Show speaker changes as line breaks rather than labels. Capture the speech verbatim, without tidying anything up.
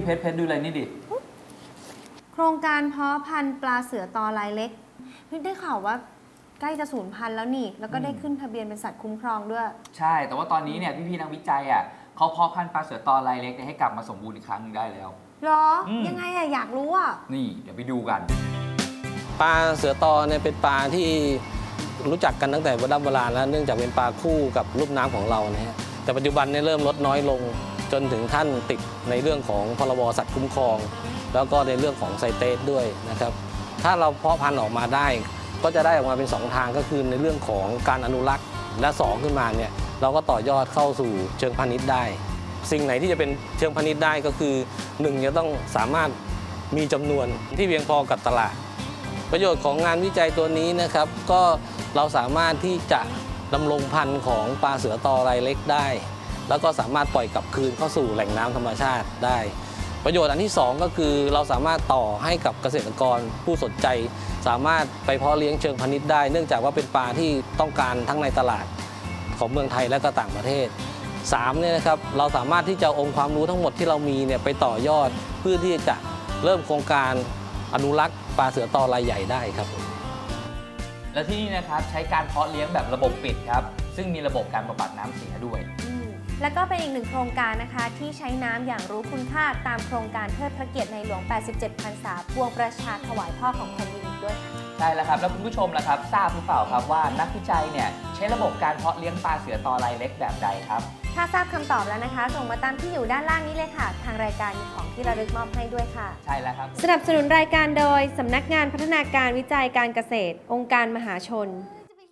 เพชรเพชรดูอะไรนี่ดิ
โครงการเพาะพันธุ์ปลาเสือตอลายเล็กพี่ได้ข่าวว่าใกล้จะสูญพันธุ์แล้วนี่แล้วก็ได้ขึ้นทะเบียนเป็นสัตว์คุ้มครองด้วย
ใช่แต่ว่าตอนนี้เนี่ยพี่ๆนักวิจัยอ่ะเขาเพาะพันธุ์ปลาเสือตอลายเล็กให้กลับมาสมบูรณ์อีกครั้งนึงได้แล้ว
หรอยังไงอะอยากรู้อะ
นี่เดี๋ยวไปดูกัน
ปลาเสือตอเนี่ยเป็นปลาที่รู้จักกันตั้งแต่โบราณโบราณแล้วเนื่องจากเป็นปลาคู่กับลูกน้ำของเรานะฮะแต่ปัจจุบันเนี่ยเริ่มลดน้อยลงจนถึงขั้นติดในเรื่องของพรบสัตว์คุ้มครองแล้วก็ในเรื่องของไซเตสด้วยนะครับถ้าเราเพาะพันธุ์ออกมาได้ก็จะได้ออกมาเป็นสองทางก็คือในเรื่องของการอนุรักษ์และสองขึ้นมาเนี่ยเราก็ต่อยอดเข้าสู่เชิงพาณิชย์ได้สิ่งไหนที่จะเป็นเชิงพาณิชย์ได้ก็คือหนึ่งจะต้องสามารถมีจำนวนที่เพียงพอกับตลาดประโยชน์ของงานวิจัยตัวนี้นะครับก็เราสามารถที่จะดำรงพันธุ์ของปลาเสือตอลายเล็กได้แล้วก็สามารถปล่อยกลับคืนเข้าสู่แหล่งน้ำธรรมชาติได้ประโยชน์อันที่สองก็คือเราสามารถต่อให้กับเกษตรกรผู้สนใจสามารถไปเพาะเลี้ยงเชิงพาณิชย์ได้เนื่องจากว่าเป็นปลาที่ต้องการทั้งในตลาดของเมืองไทยและก็ต่างประเทศสามเนี่ยนะครับเราสามารถที่จะองค์ความรู้ทั้งหมดที่เรามีเนี่ยไปต่อยอดเพื่อที่จะเริ่มโครงการอนุรักษ์ปลาเสือตอรายใหญ่ได้ครับ
และที่นี่นะครับใช้การเพาะเลี้ยงแบบระบบปิดครับซึ่งมีระบบการบำบัดน้ำเสียด้วย
แล้วก็เป็นอีกหนึ่งโครงการนะคะที่ใช้น้ำอย่างรู้คุณค่าตามโครงการเทิดพระเกียรติในหลวง แปดสิบเจ็ด พรรษาพวงประชาถวายพ่อของแผ่นดินอีกด้วย
ใช่แล้วครับแล้วคุณผู้ชมล่ะครับทราบหรือเปล่าครับว่านักวิจัยเนี่ยใช้ระบบการเพาะเลี้ยงปลาเสือตอลายเล็กแบบใดครับ
ถ้าทราบคำตอบแล้วนะคะส่งมาตามที่อยู่ด้านล่างนี้เลยค่ะทางรายการมีของที่ระลึกมอบให้ด้วยค่ะ
ใช่แล้วครับ
สนับสนุนรายการโดยสำนักงานพัฒนาการวิจัยการเกษตรองค์การมหาชน